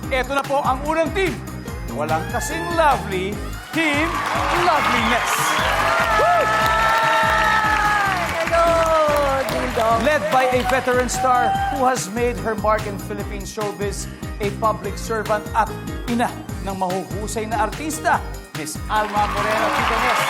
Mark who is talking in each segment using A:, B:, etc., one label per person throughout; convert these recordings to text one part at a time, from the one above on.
A: eto na po ang unang team. Walang kasing lovely, Team Loveliness.
B: Hello, Ding Dong.
A: Led by a veteran star who has made her mark in Philippine showbiz, a public servant at ina ng mahuhusay na artista, Miss Alma Moreno. Tita Nes.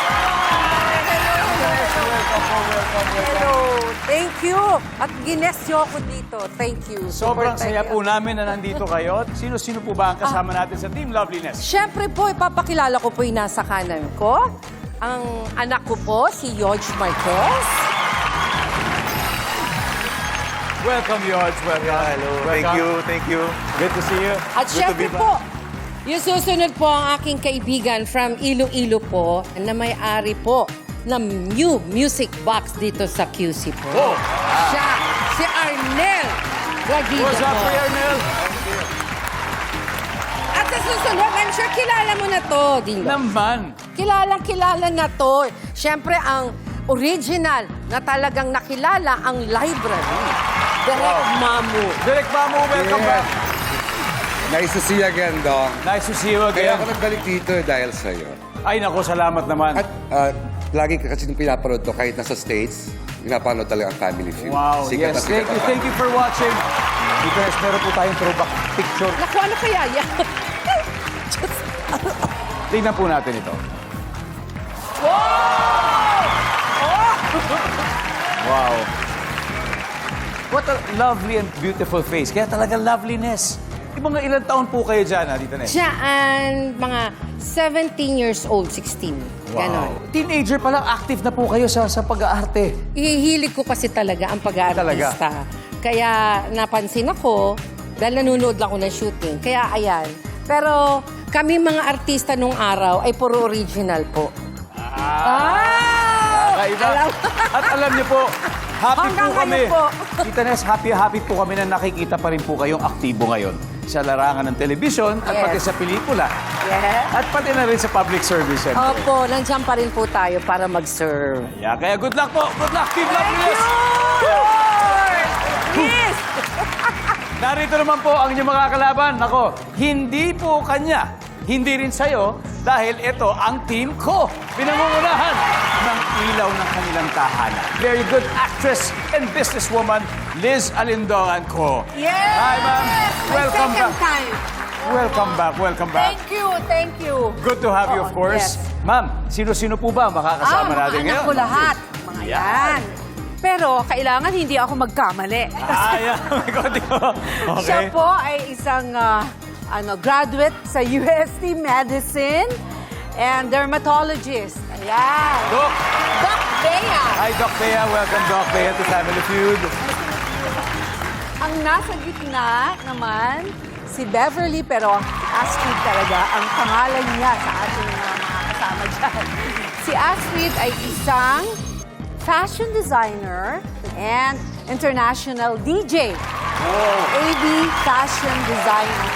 A: Welcome.
B: Hello. Thank you. At gines niyo ako dito. Thank you.
A: Sobrang
B: Super
A: saya
B: thank
A: po
B: you.
A: namin na nandito kayo. Sino-sino po ba ang kasama natin sa Team Loveliness?
B: Siyempre po, ipapakilala ko po yung nasa kanan ko. Ang anak ko po, si George Marquez.
A: Welcome, George. Welcome.
C: Hello. Thank you.
A: Good to see you.
B: At
C: Good to
B: syempre
C: be back.
B: po, yung susunod po ang aking kaibigan from Iloilo po, na may-ari po ng new music box dito sa QC po.
A: Oh.
B: Siya, si Arnel Raguido
A: What's up,
B: po.
A: Kuya Arnel?
B: At sa susunod, I'm sure kilala mo na to, Ding Dong.
A: Naman.
B: Kilala na to. Siyempre, ang original na talagang nakilala ang library. Direct Mamu.
A: Direk Mamu, welcome back.
C: Nice to see you again, Dong.
A: Nice to see you
C: Kaya
A: again.
C: ako nagbalik dito dahil sa'yo.
A: Ay, nako, salamat naman.
C: At lagi ka kasi nung pinapanood to, kahit nasa States, pinapanood talaga ang Family Feud.
A: Wow,
C: Sikat na
A: yes.
C: sikat
A: Thank you for watching. Because meron po tayong throwback picture.
B: Naku, ano kaya yan?
A: Tingnan po natin ito. Wow! What a lovely and beautiful face. Kaya talagang loveliness. Yung mga ilang taon po kayo dyan, Tita Nes?
B: Siyaan, mga 17 years old, 16. Ganon.
A: Teenager pa lang, active na po kayo sa pag-aarte.
B: Ihihilig ko kasi talaga ang pag-aartista. Kaya napansin ako, dahil nanonood lang ako ng shooting. Kaya ayan. Pero kami mga artista nung araw ay puro original po.
A: Kakaiba. At alam niyo po, happy
B: Hanggang
A: po kami.
B: ngayon po.
A: Tita Nes, happy po kami na nakikita pa rin po kayong aktibo ngayon sa larangan ng telebisyon at
B: Yes.
A: pati sa pelikula.
B: Yes.
A: At pati na rin sa public service. syempre.
B: Opo, nandiyan pa rin po tayo para mag-serve.
A: Yeah, kaya good luck po. Good luck, Team Loveliness.
B: Yes!
A: Narito naman po ang inyong mga kalaban. Nako, hindi po kanya. Hindi rin sa'yo dahil ito ang team ko. Pinangungunahan ng ilaw ng kanilang tahanan. Very good actress and businesswoman, Liz Alindongan ko.
B: Yes!
A: Hi, ma'am. Welcome
B: second
A: back.
B: time.
A: Welcome back.
B: Thank you.
A: Good to have you, of course.
B: Yes.
A: Ma'am, sino-sino po ba makakasama natin
D: mga
A: ngayon?
D: anak ko lahat. Mga
A: Yan.
D: yan. Pero kailangan hindi ako magkamali.
A: Ayan, may konti ko.
D: Siya
A: Okay.
D: po ay isang graduate sa UST Medicine and dermatologist. Ayan.
A: Doc.
D: Doc Bea.
A: Hi, Doc Bea. Welcome, Doc Bea, to Family Feud.
D: Ang nasa gitna naman, si Beverly, pero Astrid talaga ang pangalan niya sa ating mga kasama dyan. Si Astrid ay isang fashion designer and international DJ. AB Fashion Designer.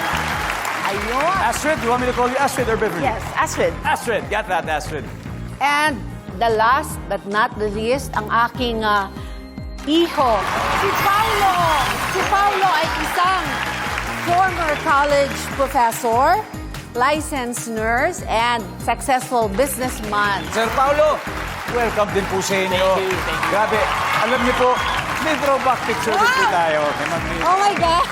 D: Ayun.
A: Astrid, you want me to call you Astrid or Beverly?
D: Yes, Astrid.
A: Astrid, get that, Astrid.
D: And the last but not the least, ang aking iho, si Paulo. Si Paulo ay isang former college professor, licensed nurse, and successful businessman.
A: Sir Paulo, welcome din po sa inyo. Thank you. Grabe, alam niyo po, may throwback picture din po tayo. Kay Ma'am Liz.
D: Oh my God!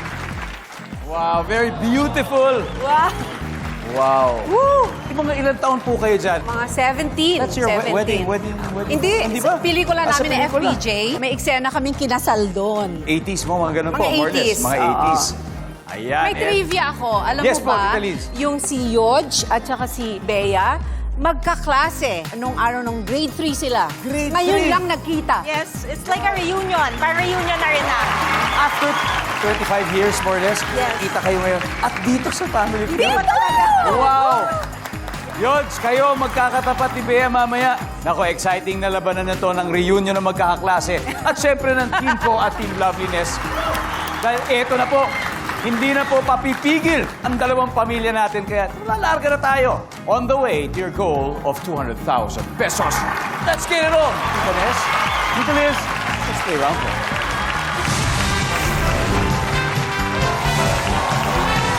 A: Wow, very beautiful.
D: Wow!
A: Wow.
D: Woo!
A: Yung mga ilang taon po kayo dyan?
D: Mga 17.
A: That's your
D: 17.
A: wedding.
D: Hindi,
A: ba?
D: sa pelikula
A: Ah, sa
D: namin na
A: pelikula.
D: FPJ, may eksena kaming kinasal doon.
A: 80s mo, mga ganun po.
D: Mga
A: more or less.
D: 80s,
A: Mga
D: oo.
A: 80s. Ayan.
D: May trivia ako. Alam
A: Yes
D: mo
A: po,
D: ba,
A: Tita Liz.
D: yung si Yodge at saka si Bea, magkaklase. Anong araw nung grade 3 sila.
A: Grade
D: Ngayon
A: 3?
D: lang nagkita.
E: Yes, it's like a reunion. Pa-reunion na rin na.
A: After 25 years, more or less,
D: Yes.
A: kita kayo ngayon. At dito sa Family Feud.
D: Hindi mo talaga.
A: Wow! Yods, kayo magkakatapat ni Bea mamaya. Nako, exciting na labanan na to ng reunion ng magkakaklase. At syempre ng team ko at Team Loveliness. Dahil eto na po, hindi na po papipigil ang dalawang pamilya natin. Kaya lalarga na tayo on the way to your goal of 200,000 pesos. Let's get it on! Tita Nes, Tita Liz, let's stay around po.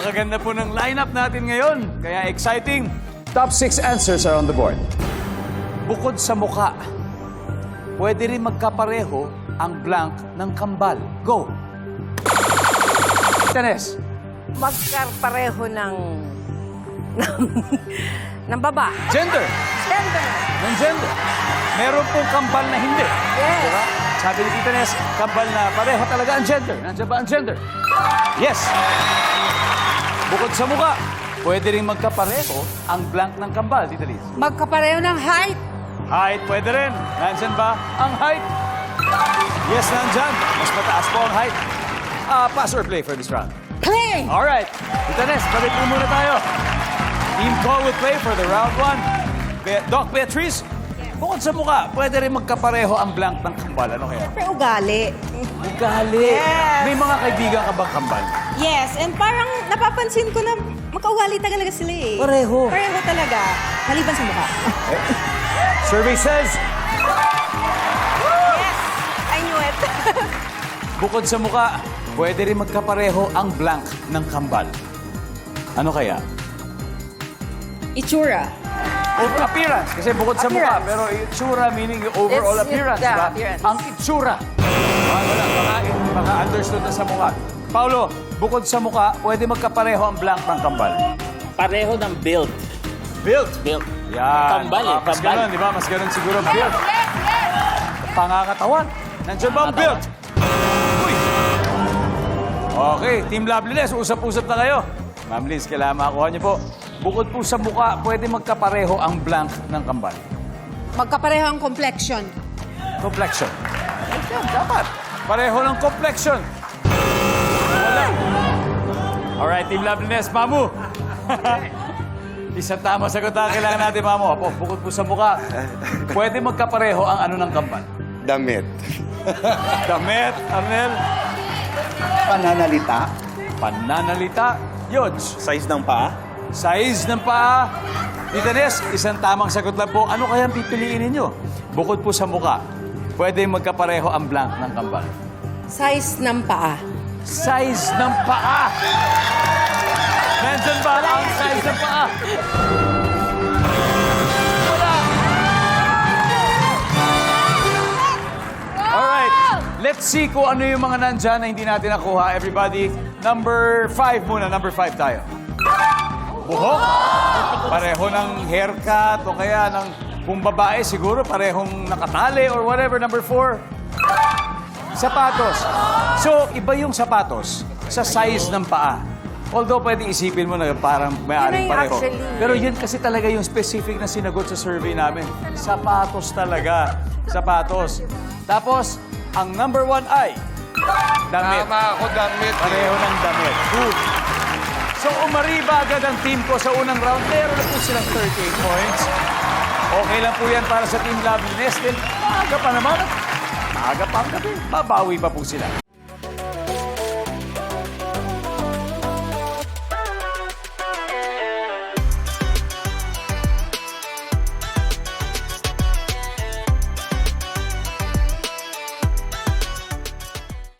A: Napakaganda po ng lineup natin ngayon. Kaya exciting. Top 6 answers are on the board. Bukod sa muka, pwede rin magkapareho ang blank ng kambal. Go! Tenes.
B: Magkapareho ng ng baba.
A: Gender.
B: Gender.
A: Ng gender. Meron pong kambal na hindi.
B: Yes.
A: Diba? Sabi ni Tita Nes, kambal na pareho talaga ang gender. Nandiyan ba ang gender? Yes. Bukod sa mukha, pwede rin magkapareho ang blank ng kambal, Tita Liz.
D: Magkapareho ng height.
A: Height, pwede rin. Nandyan ba ang height? Yes, nandyan. Mas mataas po ang height. Pass or play for this round?
D: Play!
A: Alright. Tita Nes, balik po muna tayo. Team Call will play for the round 1. Doc Beatrice, bukod sa mukha, pwede rin magkapareho ang blank ng kambal. Ano kaya?
E: Siyempre, ugali.
A: Ugali.
E: Yes.
A: May mga kaibigan ka bang kambal?
E: Yes, and parang napapansin ko na magkaugali talaga sila eh.
A: Pareho.
E: Pareho talaga. Maliban sa mukha.
A: Survey says,
E: Yes, I knew it.
A: bukod sa mukha, pwede rin magkapareho ang blank ng kambal. Ano kaya?
D: Itsura.
A: Over appearance. Kasi bukod sa mukha, pero itsura meaning yung overall
B: It's-
A: appearance.
B: the
A: Diba?
B: appearance.
A: Ang itsura. Baka understood na sa mukha. Paulo, bukod sa mukha, pwede magkapareho ang blank ng kambal.
F: Pareho ng build.
A: Built.
F: Build.
A: Yan.
F: Kambal eh,
A: Mas
F: kambal.
A: ganun, di ba? Mas ganun siguro ang build. Pangakatawan. Nandiyan ba ang build? Uy. Okay, Team Loveliness, usap-usap na kayo. Ma'am Liz, kailangan makakuha niyo po. Bukod po sa mukha, pwede magkapareho ang blank ng kambal.
D: Magkapareho ang complexion.
A: Complexion. Ayun, dapat. Pareho ng complexion. Wala. Alright, Team Loveliness, Mamu. Isang tama sagot na kailangan natin, Mamu. Apo, bukod po sa mukha, pwede magkapareho ang ano ng kambal.
C: Damit.
A: Damit, Arnel.
C: Pananalita.
A: Pananalita. Yods.
F: Size ng paa.
A: Size ng paa. Tita Nes, isang tamang sagot lang po. Ano kaya ang pipiliin ninyo? Bukod po sa mukha, pwede magkapareho ang blank ng kambal.
B: Size ng paa.
A: Size ng paa. Nandyan ba ang size ng paa? Wala. Alright, let's see kung ano yung mga nandyan na hindi natin nakuha. Everybody, number 5 muna. Number 5 tayo. Buhok. Pareho ng haircut o kaya ng kung babae siguro parehong nakatali or whatever. Number 4. Sapatos. So, iba yung sapatos sa size ng paa. Although, pwede isipin mo na parang may-aring
B: Yun na yung
A: pareho.
B: actually.
A: Pero yun kasi talaga yung specific na sinagot sa survey namin. Sapatos talaga. Sapatos. Tapos, ang number 1 ay damit.
C: Tama ako, damit.
A: Pareho ng damit. Good. So, umariba agad ang team ko sa unang round. Meron na po silang 38 points. Okay lang po yan para sa Team Loveliness. Then, maaga pa naman. Maaga pa ang gabi. Babawi pa po sila.